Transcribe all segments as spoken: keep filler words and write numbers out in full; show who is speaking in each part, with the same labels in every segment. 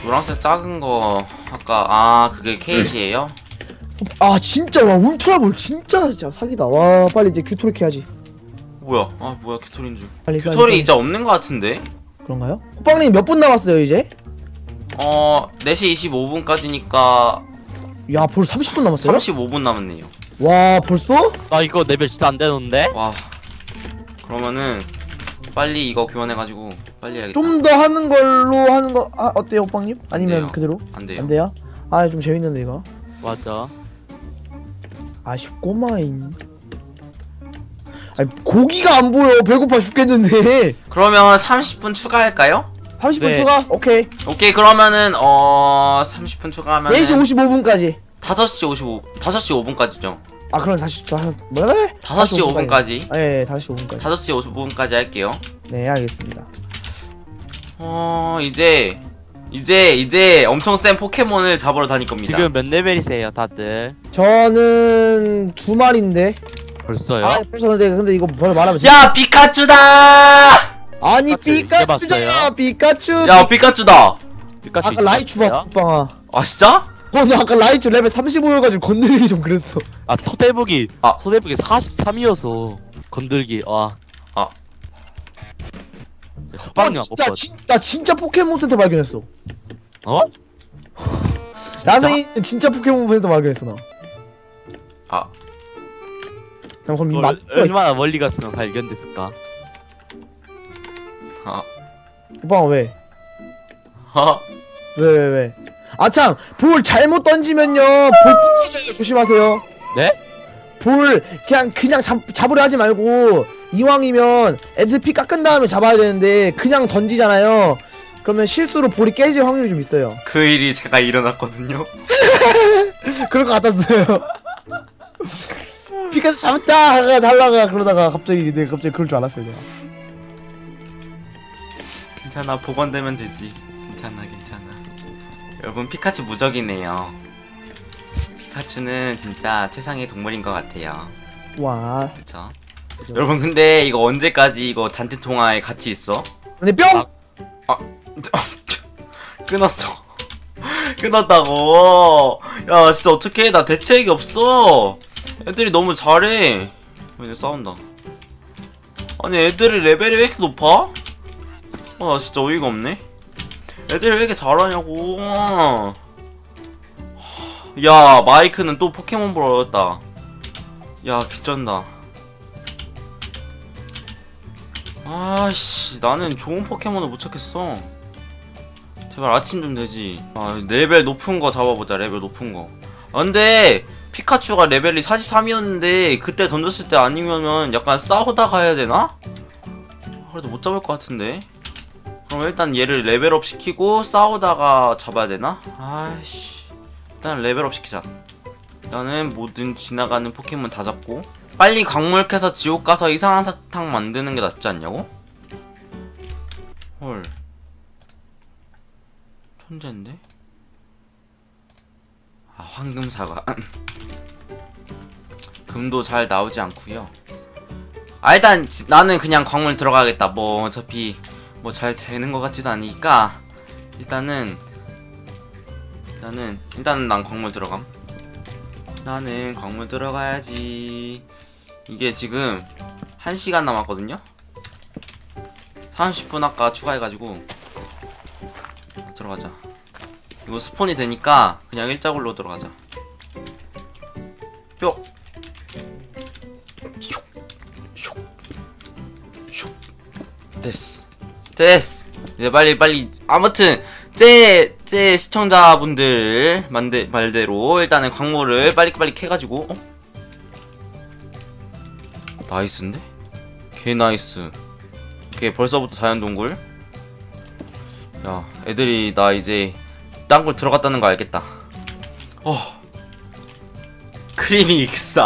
Speaker 1: 노란색 작은 거 아까 아 그게 케이시에요?
Speaker 2: 아 진짜 와 울트라볼 진짜 진짜 사기다. 와 빨리 이제 규토리 해야지.
Speaker 1: 뭐야? 아 뭐야 규토리인 줄.
Speaker 2: 빨리 빨리,
Speaker 1: 규토리
Speaker 2: 빨리.
Speaker 1: 이제 없는 거 같은데?
Speaker 2: 그런가요? 호빵님 몇 분 남았어요 이제?
Speaker 1: 어 네 시 이십오 분까지니까
Speaker 2: 야 벌써 삼십 분 남았어요?
Speaker 1: 삼십오 분 남았네요.
Speaker 2: 와 벌써?
Speaker 3: 나 이거 레벨 진짜 안 되는데?
Speaker 1: 와 그러면은 빨리 이거 교환해가지고 빨리 해야겠다.
Speaker 2: 좀 더 하는 걸로 하는 거 아, 어때요 호빵님? 아니면
Speaker 1: 돼요.
Speaker 2: 그대로?
Speaker 1: 안 돼요.
Speaker 2: 안 돼요? 아 좀 재밌는데 이거.
Speaker 3: 맞아.
Speaker 2: 아쉽고마인. 아니 고기가 안 보여. 배고파 죽겠는데.
Speaker 1: 그러면 삼십 분 추가할까요?
Speaker 2: 삼십 분
Speaker 3: 네.
Speaker 2: 추가? 오케이.
Speaker 1: 오케이 그러면은 어 삼십 분 추가하면
Speaker 2: 네 시 오십오 분까지.
Speaker 1: 다섯 시 오십오 다섯 시 오 분까지죠.
Speaker 2: 아 그럼 다시 다시 뭐래?
Speaker 1: 다섯 시 오 분까지.
Speaker 2: 아, 예, 예, 다섯 시 오 분까지.
Speaker 1: 다섯 시 오십오 분까지 할게요.
Speaker 2: 네, 알겠습니다.
Speaker 1: 어 이제 이제 이제 엄청 센 포켓몬을 잡으러 다닐 겁니다.
Speaker 3: 지금 몇 레벨이세요 다들?
Speaker 2: 저는 두 마리인데.
Speaker 3: 벌써요?
Speaker 2: 아, 벌써 근데 근데 이거 벌써 말하면
Speaker 1: 야 피카츄다!
Speaker 2: 아니
Speaker 3: 피카츄
Speaker 2: 피카츄잖아.
Speaker 3: 이겨봤어요?
Speaker 2: 피카츄.
Speaker 1: 야 피카츄다!
Speaker 3: 피카츄
Speaker 2: 아까 라이츄 봤어, 빵아.
Speaker 1: 아 진짜?
Speaker 2: 어, 나 아까 라이츄 레벨 삼십오여가지고 건드리기 좀 그랬어.
Speaker 3: 아 토대북이
Speaker 1: 아.
Speaker 3: 소대북이 사십삼이어서 건들기 와.
Speaker 1: 아.
Speaker 3: 호빵님 안
Speaker 2: 진짜
Speaker 3: 뽑았.
Speaker 2: 진짜 진짜 포켓몬 센터 발견했어.
Speaker 3: 어?
Speaker 2: 야생이 진짜 포켓몬 센터 발견했어 나.
Speaker 1: 아
Speaker 2: 나 그럼 이
Speaker 3: 그걸
Speaker 2: 맛
Speaker 3: 얼마나 멀리 갔으면 발견됐을까?
Speaker 1: 아.
Speaker 2: 오빠 왜?
Speaker 1: 아.
Speaker 2: 왜 왜 왜? 아참 볼 잘못 던지면요 볼 부서져요. 조심하세요.
Speaker 3: 네?
Speaker 2: 볼 그냥 그냥 잡, 잡으려 하지 말고 이왕이면 애들 피 깎은 다음에 잡아야 되는데 그냥 던지잖아요. 그러면 실수로 볼이 깨질 확률이 좀 있어요.
Speaker 1: 그 일이 제가 일어났거든요.
Speaker 2: 그럴 것 같았어요. 피카츄 잡았다 하가 달라가 그러다가 갑자기 내가 갑자기 그럴 줄 알았어요 내가.
Speaker 1: 괜찮아 복원되면 되지. 괜찮아 괜찮아. 여러분 피카츄 무적이네요. 피카츄는 진짜 최상의 동물인 것 같아요.
Speaker 2: 와.
Speaker 1: 그쵸?
Speaker 2: 그죠.
Speaker 1: 여러분 근데 이거 언제까지 이거 단체 통화에 같이 있어?
Speaker 2: 근데 뿅!
Speaker 1: 아 끊었어. 끊었다고. 야 진짜 어떡해 나 대책이 없어. 애들이 너무 잘해. 이제 싸운다. 아니 애들이 레벨이 왜 이렇게 높아? 아 나 진짜 어이가 없네. 애들이 왜 이렇게 잘하냐고. 야 마이크는 또 포켓몬 보러 얻었다. 야 개쩐다. 아씨 나는 좋은 포켓몬을 못 찾겠어. 제발 아침 좀 되지. 아 레벨 높은 거 잡아보자. 레벨 높은 거. 아 근데 피카츄가 레벨이 사십삼이었는데 그때 던졌을 때 아니면은 약간 싸우다가 해야 되나? 그래도 못 잡을 것 같은데. 그럼 일단 얘를 레벨업 시키고 싸우다가 잡아야 되나? 아이씨 일단 레벨업 시키자. 일단은 모든 지나가는 포켓몬 다 잡고 빨리 광물 캐서 지옥 가서 이상한 사탕 만드는 게 낫지 않냐고? 헐 천재인데? 아 황금사과 금도 잘 나오지 않구요. 아 일단 지, 나는 그냥 광물 들어가겠다. 뭐 어차피 뭐 잘 되는 것 같지도 않으니까 일단은 일단은 일단은 난 광물 들어감. 나는 광물 들어가야지. 이게 지금 한 시간 남았거든요? 삼십 분 아까 추가해가지고 들어가자. 이거 스폰이 되니까 그냥 일자굴로 들어가자. 뿅! 슉! 슉! 슉! 됐어. 됐어! 이제 빨리 빨리 아무튼 제, 제 시청자분들 만대, 말대로 일단은 광물을 빨리빨리 캐가지고 어? 나이스인데? 개 나이스. 오케이 벌써부터 자연동굴. 야 애들이 나 이제 땅굴 들어갔다는 거 알겠다. 어 크리미 익사.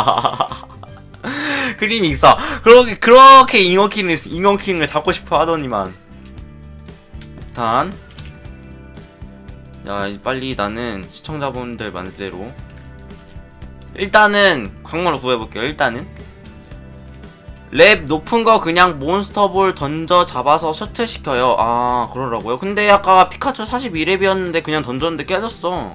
Speaker 1: 크리미 익사. 그렇게 그렇게 잉어킹을 잉어킹을 잡고 싶어 하더니만. 일단 야 빨리 나는 시청자분들 말대로 일단은 광물을 구해볼게요. 일단은 랩 높은 거 그냥 몬스터볼 던져 잡아서 셔틀 시켜요. 아 그러라고요? 근데 아까 피카츄 사십이 렙이었는데 그냥 던졌는데 깨졌어.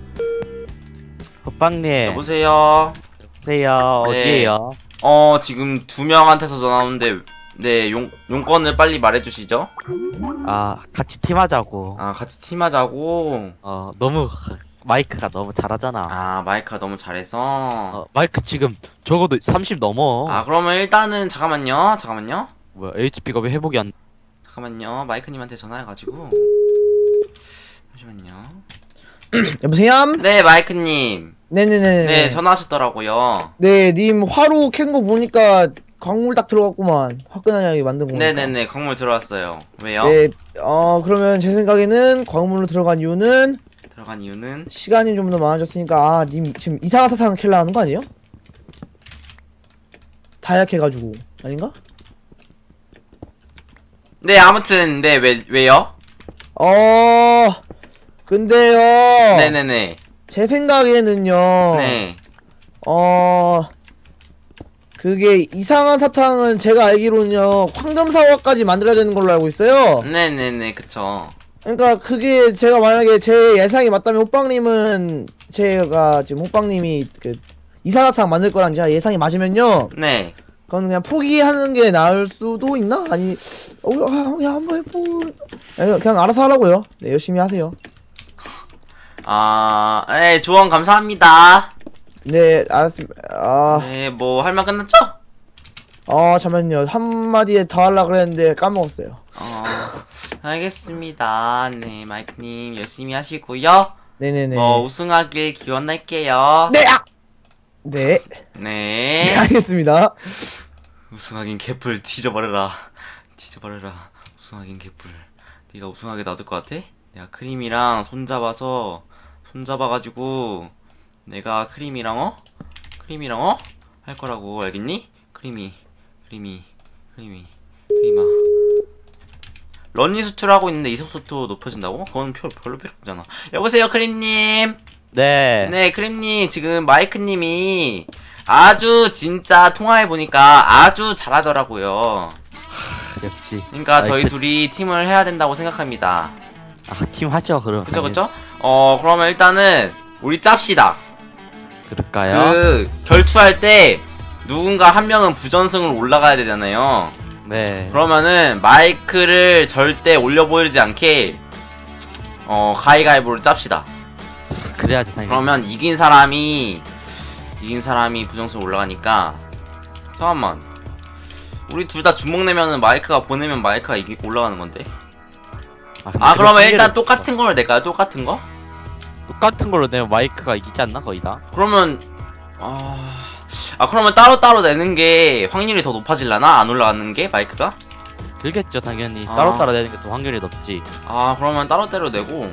Speaker 3: 호빵님.
Speaker 1: 여보세요?
Speaker 3: 여보세요.
Speaker 1: 네.
Speaker 3: 어디에요?
Speaker 1: 어 지금 두 명한테서 전화 오는데 네 용, 용건을 빨리 말해주시죠.
Speaker 3: 아 같이 팀하자고.
Speaker 1: 아 같이 팀하자고.
Speaker 3: 어 너무 마이크가 너무 잘하잖아.
Speaker 1: 아 마이크가 너무 잘해서.
Speaker 3: 어, 마이크 지금 적어도 삼십 넘어.
Speaker 1: 아 그러면 일단은 잠깐만요 잠깐만요
Speaker 3: 뭐야 에이치피가 왜 회복이 안?
Speaker 1: 잠깐만요 마이크님한테 전화해가지고 잠시만요.
Speaker 2: 여보세요?
Speaker 1: 네 마이크님.
Speaker 2: 네네네.
Speaker 1: 네 전화하셨더라고요.
Speaker 2: 네, 님 화로 캔 거 보니까 광물 딱 들어갔구만. 화끈하게 만든 거.
Speaker 1: 네네네 광물 들어왔어요. 왜요?
Speaker 2: 네, 어 그러면 제 생각에는 광물로 들어간 이유는
Speaker 1: 들어간 이유는
Speaker 2: 시간이 좀 더 많아졌으니까 아, 님 지금 이상한 사탕 킬러 하는 거 아니에요? 다약해가지고 아닌가?
Speaker 1: 네 아무튼 네 왜 왜요?
Speaker 2: 어 근데요.
Speaker 1: 네네네.
Speaker 2: 제 생각에는요.
Speaker 1: 네.
Speaker 2: 어 그게 이상한 사탕은 제가 알기로는요 황금사과까지 만들어야 되는 걸로 알고 있어요.
Speaker 1: 네네네 그쵸.
Speaker 2: 그러니까 그게 제가 만약에 제 예상이 맞다면 호빵님은 제가 지금 호빵님이 그 이상한 사탕 만들 거란 제가 예상이 맞으면요
Speaker 1: 네.
Speaker 2: 그건 그냥 포기하는 게 나을 수도 있나? 아니 어 아, 그냥 한번 해보 아니, 그냥 알아서 하라고요. 네 열심히 하세요.
Speaker 1: 아, 네 조언 감사합니다.
Speaker 2: 네 알았습니다. 아,
Speaker 1: 네 뭐 할 말 끝났죠?
Speaker 2: 어 잠깐만요 한마디에 더 하려고 그랬는데 까먹었어요.
Speaker 1: 어 알겠습니다. 네 마이크님 열심히 하시고요.
Speaker 2: 네네네.
Speaker 1: 뭐 우승하길 기원할게요.
Speaker 2: 네! 아! 네.
Speaker 1: 네.
Speaker 2: 네 알겠습니다.
Speaker 1: 우승하긴 개뿔 뒤져버려라. 뒤져버려라. 우승하긴 개뿔. 네가 우승하게 놔둘 것 같아? 내가 크림이랑 손잡아서 손잡아가지고 내가 크림이랑 어? 크림이랑 어? 할 거라고 알겠니? 크림이 크림이 크림이 크림아 런니 수트를 하고 있는데 이속속도 높아진다고? 그건 표, 별로 필요 없잖아. 여보세요 크림님.
Speaker 3: 네.
Speaker 1: 네 크림님 지금 마이크님이 아주 진짜 통화해보니까 아주 잘하더라고요.
Speaker 3: 역시.
Speaker 1: 그러니까 저희
Speaker 3: 마이크-
Speaker 1: 둘이 팀을 해야 된다고 생각합니다.
Speaker 3: 아 팀 하죠 그럼.
Speaker 1: 그쵸 그쵸? 어 그러면 일단은 우리 짭시다.
Speaker 3: 그럴까요?
Speaker 1: 그 결투할 때 누군가 한 명은 부전승으로 올라가야 되잖아요.
Speaker 3: 네.
Speaker 1: 그러면은 마이크를 절대 올려 보이지 않게 어 가위가위보를 짭시다.
Speaker 3: 그래야지 당연히.
Speaker 1: 그러면 이긴 사람이 이긴 사람이 부정승 올라가니까. 잠깐만 우리 둘 다 주먹 내면은 마이크가 보내면 마이크가 이기, 올라가는 건데.
Speaker 3: 아, 근데
Speaker 1: 아
Speaker 3: 그런
Speaker 1: 그러면
Speaker 3: 핑계를
Speaker 1: 일단
Speaker 3: 없어.
Speaker 1: 똑같은 걸 낼까요? 똑같은 거?
Speaker 3: 똑같은 걸로 내면 마이크가 이기지 않나 거의 다?
Speaker 1: 그러면 아... 아 그러면 따로따로 내는 게 확률이 더 높아질라나? 안 올라가는 게 마이크가?
Speaker 3: 들겠죠 당연히.
Speaker 1: 아.
Speaker 3: 따로따로 내는 게 더 확률이 높지.
Speaker 1: 아 그러면 따로따로 내고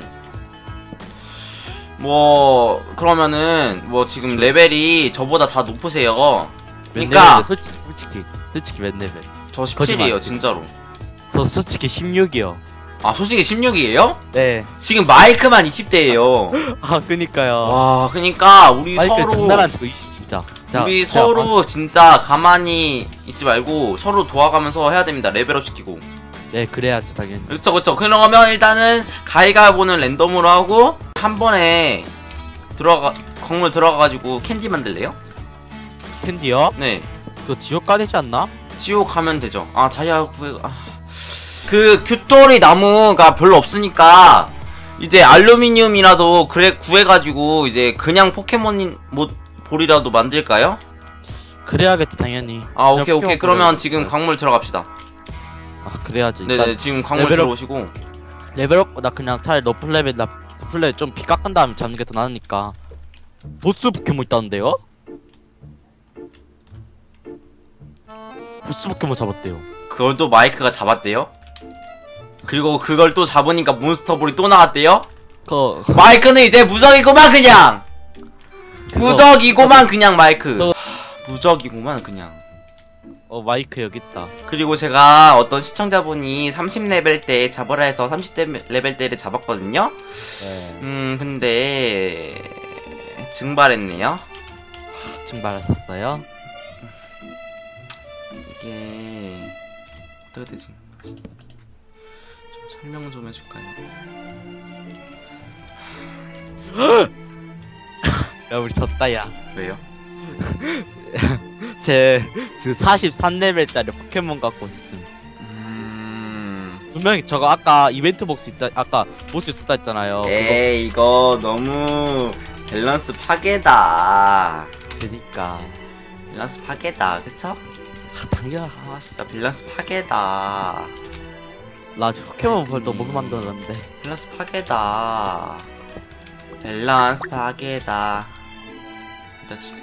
Speaker 1: 뭐 그러면은 뭐 지금 레벨이 저보다 다 높으세요.
Speaker 3: 몇
Speaker 1: 그러니까
Speaker 3: 레벨인데 솔직히 솔직히 솔직히 몇 레벨?
Speaker 1: 저 십칠이에요
Speaker 3: 거짓말.
Speaker 1: 진짜로.
Speaker 3: 저 솔직히 십육이요.
Speaker 1: 아 솔직히 십육이에요?
Speaker 3: 네.
Speaker 1: 지금 마이크만 이십 대예요.
Speaker 3: 아 그니까요.
Speaker 1: 와 그니까 우리
Speaker 3: 마이크
Speaker 1: 서로
Speaker 3: 장난 안 치고 이십 진짜. 자,
Speaker 1: 우리
Speaker 3: 자,
Speaker 1: 서로 진짜 가만히 있지 말고 서로 도와가면서 해야 됩니다. 레벨업 시키고.
Speaker 3: 아, 네 그래야죠 당연히.
Speaker 1: 그쵸 그쵸. 그러면 일단은 가위가위보는 랜덤으로 하고 한 번에 들어가 건물 들어가가지고 캔디 만들래요?
Speaker 3: 캔디요?
Speaker 1: 네
Speaker 3: 그거 지옥 가되지 않나?
Speaker 1: 지옥 가면 되죠. 아 다이아 구해. 아. 그 규토리 나무가 별로 없으니까 이제 알루미늄이라도 그래 구해가지고 이제 그냥 포켓몬 뭐 볼이라도 만들까요?
Speaker 3: 그래야겠지 당연히.
Speaker 1: 아
Speaker 3: 그냥
Speaker 1: 오케이 오케이.
Speaker 3: 포켓몬
Speaker 1: 그러면
Speaker 3: 볼을
Speaker 1: 지금
Speaker 3: 만들어요.
Speaker 1: 광물 들어갑시다.
Speaker 3: 아 그래야지. 일단
Speaker 1: 네네 지금 광물
Speaker 3: 레벨업-
Speaker 1: 들어오시고.
Speaker 3: 레벨업 나 그냥 차라리 너플 레벨 나 너플 레벨 좀 피 깎은 다음에 잡는 게 더 나으니까. 보스 포켓몬 있다는데요? 보스 포켓몬 잡았대요.
Speaker 1: 그걸 또 마이크가 잡았대요? 그리고 그걸 또 잡으니까 몬스터볼이 또 나왔대요?
Speaker 3: 그
Speaker 1: 마이크는 이제 무적이구만 그냥!
Speaker 3: 그거-
Speaker 1: 무적이고만 그냥 마이크.
Speaker 3: 저-
Speaker 1: 하, 무적이구만 그냥.
Speaker 3: 어 마이크 여기 있다.
Speaker 1: 그리고 제가 어떤 시청자분이 삼십 레벨 때 잡으라 해서 삼십 레벨 때를 잡았거든요?
Speaker 3: 네.
Speaker 1: 음 근데... 증발했네요?
Speaker 3: 증발하셨어요?
Speaker 1: 이게 어떻게 되지? 좀 설명 좀 해줄까요?
Speaker 3: 야 우리 졌다 야.
Speaker 1: 왜요?
Speaker 3: 제그 사십삼 레벨짜리 포켓몬 갖고 있음.
Speaker 1: 음...
Speaker 3: 분명히 저거 아까 이벤트 복스 있다 아까 보스 있었다 했잖아요.
Speaker 1: 에이 이거 너무 밸런스 파괴다.
Speaker 3: 그거 되니까.
Speaker 1: 밸런스 파괴다, 그쵸?
Speaker 3: 아, 당연하.
Speaker 1: 아 진짜 밸런스 파괴다.
Speaker 3: 나 저 포켓몬 벌써 못 만들었는데.
Speaker 1: 밸런스 파괴다. 밸런스 파괴다. 나 진짜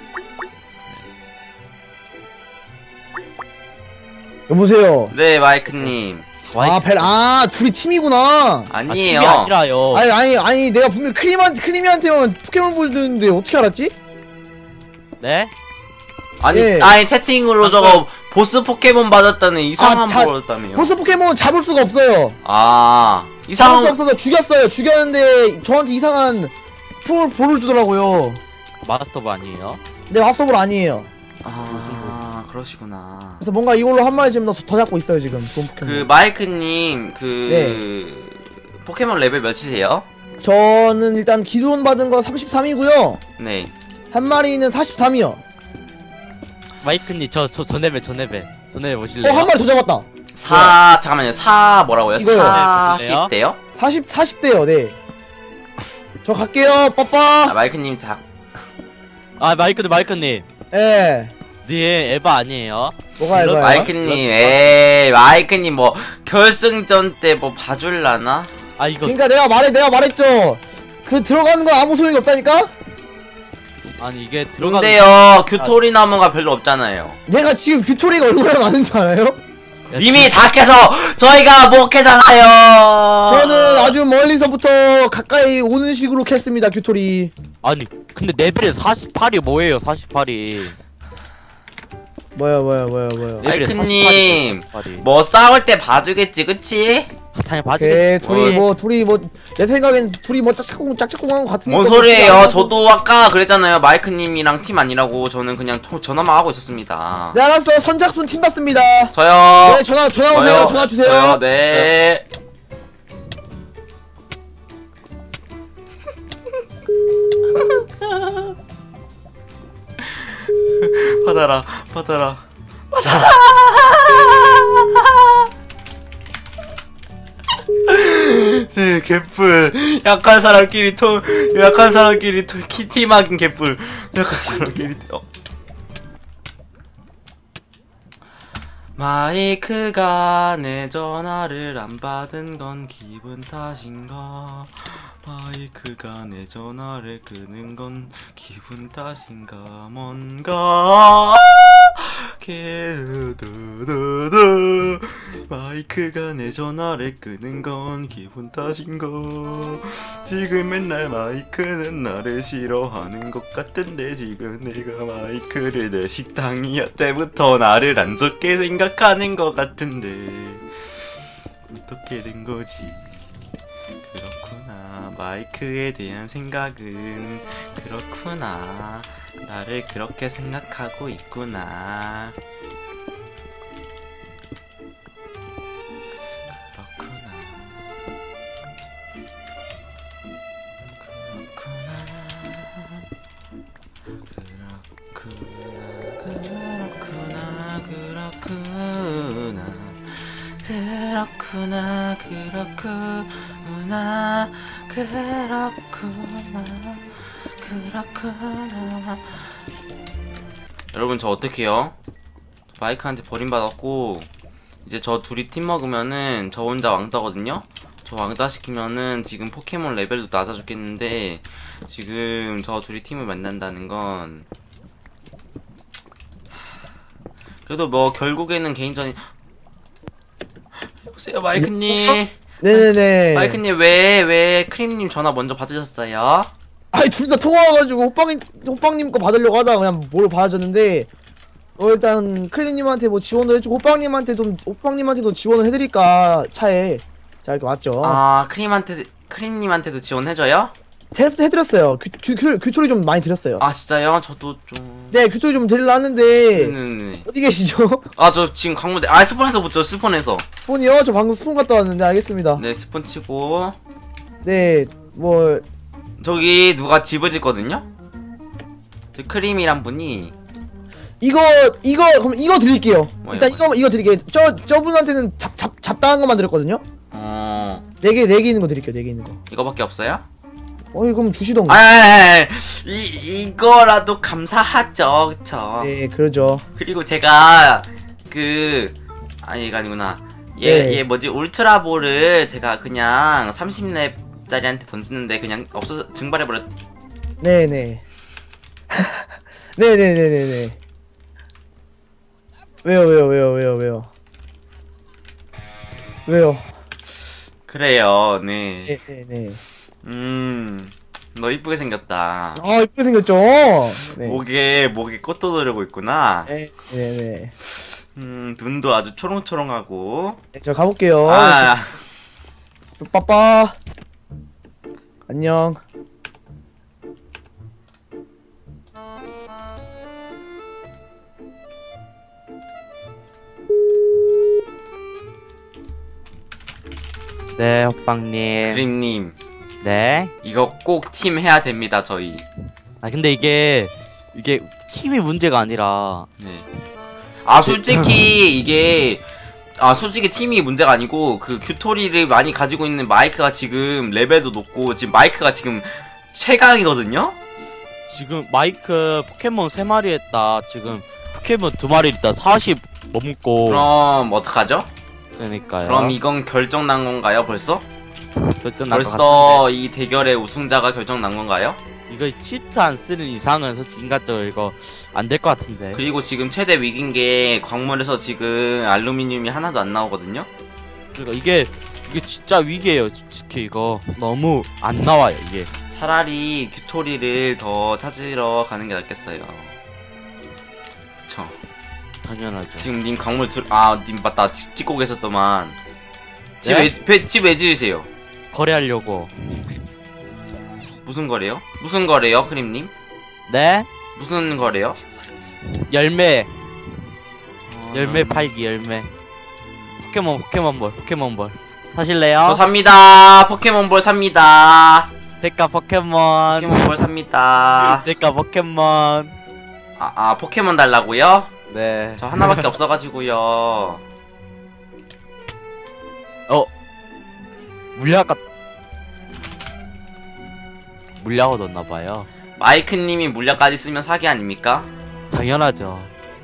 Speaker 2: 여보세요.
Speaker 1: 네 마이크님.
Speaker 2: 아, 벨, 아, 둘이 팀이구나.
Speaker 1: 아니에요.
Speaker 3: 아, 아니라요.
Speaker 2: 아니, 아니, 아니, 내가 분명 크리만, 크리미한테만 포켓몬볼 줬는데 어떻게 알았지?
Speaker 3: 네?
Speaker 1: 아니
Speaker 2: 예.
Speaker 1: 아니 채팅으로
Speaker 3: 아,
Speaker 1: 저거 보스 포켓몬 받았다는 이상한
Speaker 2: 아, 자-
Speaker 1: 거 받았다며요.
Speaker 2: 보스 포켓몬 잡을 수가 없어요.
Speaker 1: 아
Speaker 2: 잡을 수
Speaker 1: 이상한
Speaker 2: 없어서 죽였어요. 죽였는데 저한테 이상한 볼, 볼을 주더라고요.
Speaker 3: 마스터브 아니에요?
Speaker 2: 내 핫소볼 아니에요.
Speaker 1: 아 그러시구나.
Speaker 2: 그래서 뭔가 이걸로 한 마리 지금 더, 더 잡고 있어요, 지금. 좋은 포켓몬.
Speaker 1: 그 마이크님 그
Speaker 2: 네.
Speaker 1: 포켓몬 레벨 몇이세요?
Speaker 2: 저는 일단 기존 받은 거 삼십삼이고요.
Speaker 1: 네.
Speaker 2: 한 마리는 사십삼이요.
Speaker 3: 마이크님 저 저 저 레벨 저 레벨 저 레벨
Speaker 2: 어,
Speaker 3: 보실래요?
Speaker 2: 한 마리 더 잡았다.
Speaker 1: 사 잠깐만요. 사 뭐라고요?
Speaker 2: 이거요.
Speaker 1: 사십 대요?
Speaker 2: 사십, 사십 대요, 네. 저 갈게요,
Speaker 1: 아,
Speaker 2: 빠빠.
Speaker 1: 마이크님 자
Speaker 3: 아 마이크님 마이크님.
Speaker 2: 예.
Speaker 3: 네 에바 아니에요?
Speaker 2: 뭐가
Speaker 3: 그렇죠.
Speaker 2: 이거야?
Speaker 1: 마이크님
Speaker 3: 그렇죠.
Speaker 1: 에이 마이크님 뭐 결승전 때 뭐 봐줄라나?
Speaker 3: 아 이거
Speaker 2: 그러니까 내가 말해, 내가 말했죠. 그 들어가는 거 아무 소용이 없다니까?
Speaker 3: 아니 이게 들어가는
Speaker 1: 근데요 규토리 나무가 별로 없잖아요.
Speaker 2: 내가 지금 규토리가 얼마나 많은 줄 알아요?
Speaker 3: 야,
Speaker 1: 님이 다 캐서 저희가 못 캐잖아요.
Speaker 2: 저는 아주 멀리서부터 가까이 오는 식으로 캤습니다, 규토리.
Speaker 3: 아니 근데 레벨이 사십팔이 뭐예요 사십팔이.
Speaker 2: 뭐야, 뭐야, 뭐야, 뭐야.
Speaker 1: 마이크님 뭐 싸울 때 봐주겠지 그치?
Speaker 3: 당연히
Speaker 2: 오케이,
Speaker 3: 봐주겠지.
Speaker 2: 둘이 뭐, 둘이 뭐, 내 생각엔 둘이 뭐 짝짝꿍, 짝짝꿍 한거 같으니까.
Speaker 1: 뭔
Speaker 2: 뭐
Speaker 1: 소리예요?
Speaker 2: 그렇지
Speaker 1: 저도 아까 그랬잖아요. 마이크님이랑 팀 아니라고. 저는 그냥 토, 전화만 하고 있었습니다.
Speaker 2: 네, 알았어. 선착순 팀 받습니다.
Speaker 1: 저요.
Speaker 2: 네, 전화, 전화 오세요.
Speaker 1: 저요.
Speaker 2: 전화 주세요.
Speaker 1: 저요. 네. 받아라, 받아라, 받아라. 네, 개뿔. 약한 사람끼리 토, 약한 사람끼리 토, 키티막인 개뿔. 약한 사람끼리 토. 어. 마이크가 내 전화를 안 받은 건 기분 탓인가? 마이크가 내 전화를 끄는 건 기분 탓인가? 뭔가 게두두두 마이크가 내 전화를 끄는 건 기분 탓인가? 지금 맨날 마이크는 나를 싫어하는 것 같은데 지금 내가 마이크를 내 식당이야 때부터 나를 안 좋게 생각하는 것 같은데 어떻게 된 거지? 그렇구나. 마이크에 대한 생각은 그렇구나. 나를 그렇게 생각하고 있구나. 그렇구나. 그렇구나. 그렇구나. 그렇구나. 그렇구나. 그렇구나. 그렇구나. 그렇구나. 여러분 저 어떡해요? 마이크한테 버림받았고 이제 저 둘이 팀 먹으면은 저 혼자 왕따거든요? 저 왕따 시키면은 지금 포켓몬 레벨도 낮아 죽겠는데 지금 저 둘이 팀을 만난다는 건 그래도 뭐 결국에는 개인전이 여보세요 마이크님.
Speaker 2: 네네네.
Speaker 1: 마이크님 왜 왜 크림님 전화 먼저 받으셨어요?
Speaker 2: 아니, 둘 다 통화와가지고 호빵님, 호빵님 거 받으려고 하다가 그냥 뭘 받아줬는데, 어, 일단, 크리님한테 뭐 지원을 해주고, 호빵님한테 좀, 호빵님한테도 지원을 해드릴까, 차에. 자, 이렇게 왔죠.
Speaker 1: 아 크림한테 크림님한테도 지원해줘요?
Speaker 2: 테스트 해드렸어요. 규, 규, 규, 규토리 좀 많이 드렸어요.
Speaker 1: 아 진짜요? 저도 좀.
Speaker 2: 네, 규토리 좀 드리려 하는데
Speaker 1: 네네네.
Speaker 2: 어디 계시죠?
Speaker 1: 아 저 지금 강무대. 아 스폰에서 붙죠. 스폰에서.
Speaker 2: 스폰이요? 저 방금 스폰 갔다 왔는데 알겠습니다.
Speaker 1: 네 스폰 치고.
Speaker 2: 네, 뭐
Speaker 1: 저기 누가 집을 짓거든요? 저 크림이란 분이.
Speaker 2: 이거 이거 그럼 이거 드릴게요.
Speaker 1: 뭐예요,
Speaker 2: 일단
Speaker 1: 뭐예요?
Speaker 2: 이거 이거 드릴게요. 저 저분한테는 잡 잡 잡다한 것만 드렸거든요.
Speaker 1: 어
Speaker 2: 네 개 네 개 있는 거 드릴게요. 네 개 있는 거.
Speaker 1: 이거밖에 없어요?
Speaker 2: 어이 그럼 주시던가.
Speaker 1: 아, 이 이거라도 감사하죠, 그쵸?
Speaker 2: 네, 그러죠.
Speaker 1: 그리고 제가 그 아니 이거 아니구나. 얘
Speaker 2: 네.
Speaker 1: 얘 뭐지 울트라볼을 제가 그냥 삼십 렙짜리한테 던지는데 그냥 없어서 증발해 버렸.
Speaker 2: 네, 네. 네, 네, 네, 네, 네. 왜요, 왜요, 왜요, 왜요, 왜요? 왜요?
Speaker 1: 그래요, 네.
Speaker 2: 네, 네, 네.
Speaker 1: 음, 너 이쁘게 생겼다.
Speaker 2: 아, 이쁘게 생겼죠? 네.
Speaker 1: 목에 목에 꽃도 두르고 있구나.
Speaker 2: 네, 네, 네.
Speaker 1: 음, 눈도 아주 초롱초롱하고.
Speaker 2: 네, 저 가볼게요.
Speaker 1: 아,
Speaker 2: 빠빠. 안녕.
Speaker 3: 네, 호빵님.
Speaker 1: 그림님
Speaker 3: 네.
Speaker 1: 이거 꼭 팀 해야 됩니다, 저희.
Speaker 3: 아 근데 이게 이게 팀이 문제가 아니라
Speaker 1: 네. 아 솔직히 이게 아 솔직히 팀이 문제가 아니고 그 규토리를 많이 가지고 있는 마이크가 지금 레벨도 높고 지금 마이크가 지금 최강이거든요.
Speaker 3: 지금 마이크 포켓몬 세 마리 했다. 지금 포켓몬 두 마리 있다. 사십 넘고.
Speaker 1: 그럼 어떡하죠?
Speaker 3: 그러니까요.
Speaker 1: 그럼 이건 결정 난 건가요, 벌써?
Speaker 3: 결정 난것
Speaker 1: 벌써
Speaker 3: 같은데.
Speaker 1: 이 대결의 우승자가 결정 난 건가요?
Speaker 3: 이거 치트 안 쓰는 이상은 솔직히 인간적으로 이거 안 될 것 같은데.
Speaker 1: 그리고 지금 최대 위기인 게 광물에서 지금 알루미늄이 하나도 안 나오거든요?
Speaker 3: 그러니까 이게 이게 진짜 위기예요. 솔직히 이거 너무 안 나와요 이게.
Speaker 1: 차라리 규토리를 더 찾으러 가는 게 낫겠어요. 그쵸.
Speaker 3: 당연하죠.
Speaker 1: 지금 님 광물 들.. 아, 님 맞다. 집 짓고 계셨더만. 집
Speaker 3: 네?
Speaker 1: 왜, 배- 집 왜 지으세요?
Speaker 3: 거래하려고.
Speaker 1: 무슨 거래요? 무슨 거래요, 크림님?
Speaker 3: 네?
Speaker 1: 무슨 거래요?
Speaker 3: 열매.
Speaker 1: 어,
Speaker 3: 열매 팔기 열매. 포켓몬 포켓몬볼 포켓몬볼. 사실래요?
Speaker 1: 저 삽니다. 포켓몬볼 삽니다.
Speaker 3: 데카 포켓몬.
Speaker 1: 포켓몬볼 삽니다.
Speaker 3: 데카 포켓몬.
Speaker 1: 아, 아, 포켓몬 달라고요?
Speaker 3: 네.
Speaker 1: 저 하나밖에 없어가지고요.
Speaker 3: 어. 물약 같. 물약 얻었나봐요.
Speaker 1: 마이크님이 물약까지 쓰면 사기 아닙니까?
Speaker 3: 당연하죠.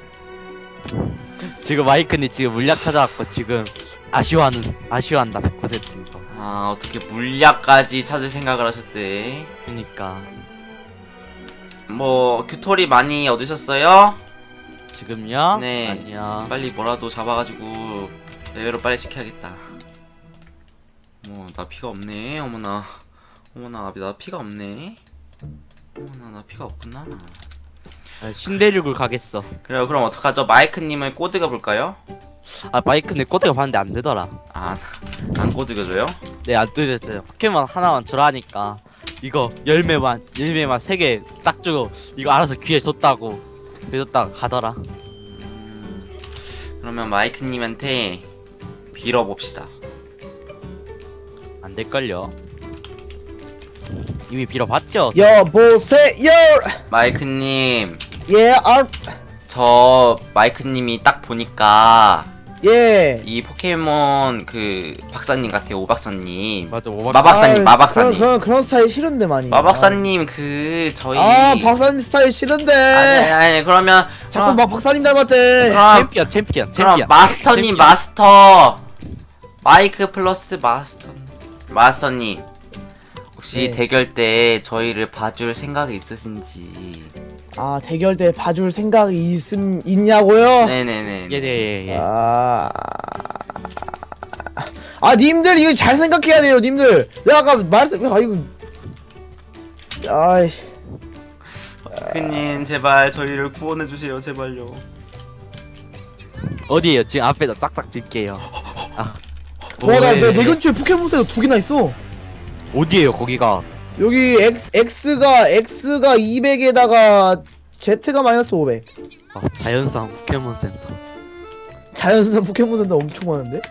Speaker 3: 지금 마이크님 지금 물약 찾아왔고 지금 아쉬워하는 아쉬워한다 백 퍼센트 이거.
Speaker 1: 아, 어떻게 물약까지 찾을 생각을 하셨대?
Speaker 3: 그니까
Speaker 1: 뭐 규토리 많이 얻으셨어요?
Speaker 3: 지금요?
Speaker 1: 네.
Speaker 3: 아니야.
Speaker 1: 빨리 뭐라도 잡아가지고 레벨업 빨리 시켜야겠다. 뭐 나 피가 없네. 어머나 어머나 나 피가 없네. 어머나 나 피가 없구나.
Speaker 3: 아, 신대륙을 가겠어.
Speaker 1: 그래요. 그럼 어떡하죠? 마이크님을 꼬드겨 볼까요?
Speaker 3: 아 마이크님 꼬드가 봤는데 안 되더라.
Speaker 1: 아, 안 꼬드겨줘요?
Speaker 3: 네 안 뜨졌어요. 포켓몬 하나만 주라니까 이거 열매만 열매만 세 개 딱 주고 이거 알아서 귀에 줬다고 그랬다가 가더라.
Speaker 1: 음, 그러면 마이크님한테 빌어봅시다.
Speaker 3: 안 될걸요. 이미 빌어봤죠.
Speaker 2: 여보세요.
Speaker 1: 마이크님,
Speaker 2: 예, 아,
Speaker 1: 저 마이크님이 딱 보니까
Speaker 2: 예.
Speaker 1: 이 포켓몬 그 박사님 같아요. 오 박사님.
Speaker 3: 맞아 오박.
Speaker 1: 마박사님,
Speaker 2: 아,
Speaker 1: 마박사님.
Speaker 2: 그런, 그런 그런 스타일 싫은데 많이.
Speaker 1: 마박사님 그 저희.
Speaker 2: 아, 박사님 스타일 싫은데.
Speaker 1: 아니 아니 그러면
Speaker 2: 자꾸
Speaker 1: 그럼,
Speaker 2: 막 박사님 닮았대.
Speaker 1: 그럼,
Speaker 3: 챔피언 챔피언
Speaker 1: 그럼
Speaker 3: 챔피언.
Speaker 1: 마스터님
Speaker 3: 챔피언.
Speaker 1: 마스터 마이크 플러스 마스터 마스터님 혹시
Speaker 2: 네.
Speaker 1: 대결 때 저희를 봐줄 생각이 있으신지.
Speaker 2: 아, 대결 때 봐줄 생각이 있음 있냐고요?
Speaker 1: 네네네.
Speaker 3: 예예 예.
Speaker 2: 아, 아, 님들 이거 잘 생각해야 돼요, 님들. 내가 아까 말씀, 아 이거, 아이,
Speaker 1: 마이크님 제발 저희를 구원해 주세요 제발요.
Speaker 3: 어디에요? 지금 앞에다 싹싹 빌게요. 아.
Speaker 2: 와, 나, 내,
Speaker 3: 뭐해?
Speaker 2: 내 근처에 포켓몬스터가 두 개나 있어.
Speaker 3: 어디에요 거기가?
Speaker 2: 여기 X, X가 X가 이백에다가 Z가 마이너스 오백.
Speaker 3: 어, 자연산 포켓몬 센터.
Speaker 2: 자연산 포켓몬센터 엄청 많은데?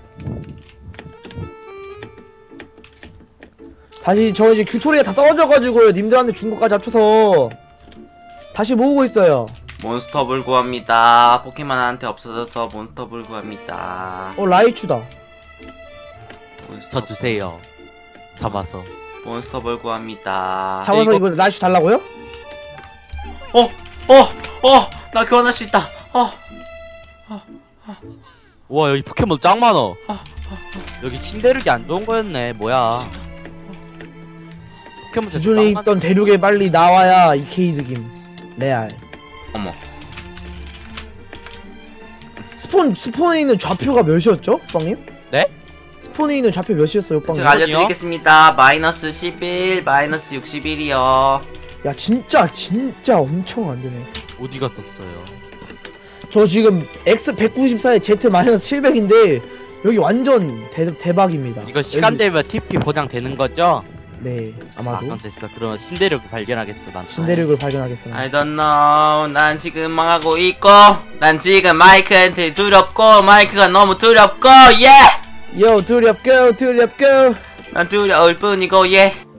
Speaker 2: 다시 저 이제 규토리가 다 떨어져가지고 님들한테 준 것까지 합쳐서 다시 모으고 있어요.
Speaker 1: 몬스터볼 구합니다. 포켓몬한테 없어져서 몬스터볼 구합니다.
Speaker 2: 어 라이추다.
Speaker 3: 저 주세요. 잡아서.
Speaker 1: 몬스터볼 구합니다.
Speaker 2: 잡아서
Speaker 3: 이거-
Speaker 2: 이거 라이추 달라고요?
Speaker 1: 어! 어! 어! 나 교환할 수 있다. 어!
Speaker 3: 와 여기 포켓몬 짱 많어. 여기 신대륙이 안 좋은 거였네. 뭐야? 포켓몬 진짜
Speaker 2: 기존에
Speaker 3: 짱 많.
Speaker 2: 있던 대륙에 빨리 나와야 이케이드김 레알.
Speaker 1: 어머.
Speaker 2: 스폰 스폰에 있는 좌표가 몇이었죠, 빵님?
Speaker 3: 네?
Speaker 2: 스폰에 있는 좌표 몇이었어요, 빵님?
Speaker 1: 제가 알려드리겠습니다. 마이너스 십일, 마이너스 육십일이요.
Speaker 2: 야 진짜 진짜 엄청 안 되네.
Speaker 3: 어디 갔었어요?
Speaker 2: 저 지금 X 백구십사에 Z 마이너스 칠백인데 여기 완전 대, 대박입니다.
Speaker 3: 이거 시간
Speaker 2: 여기-
Speaker 3: 되면 티피 보장 되는 거죠?
Speaker 2: 네
Speaker 3: 아,
Speaker 2: 아마도
Speaker 3: 그럼 됐어. 그러면 신대륙 발견하겠어. 난.
Speaker 2: 신대륙을 발견하겠습니다.
Speaker 1: I don't know. 난 지금 망하고 있고, 난 지금 마이크한테 두렵고, 마이크가 너무 두렵고, 예!
Speaker 2: 요 두렵고 두렵고
Speaker 1: 난 두려울 뿐이고, 예!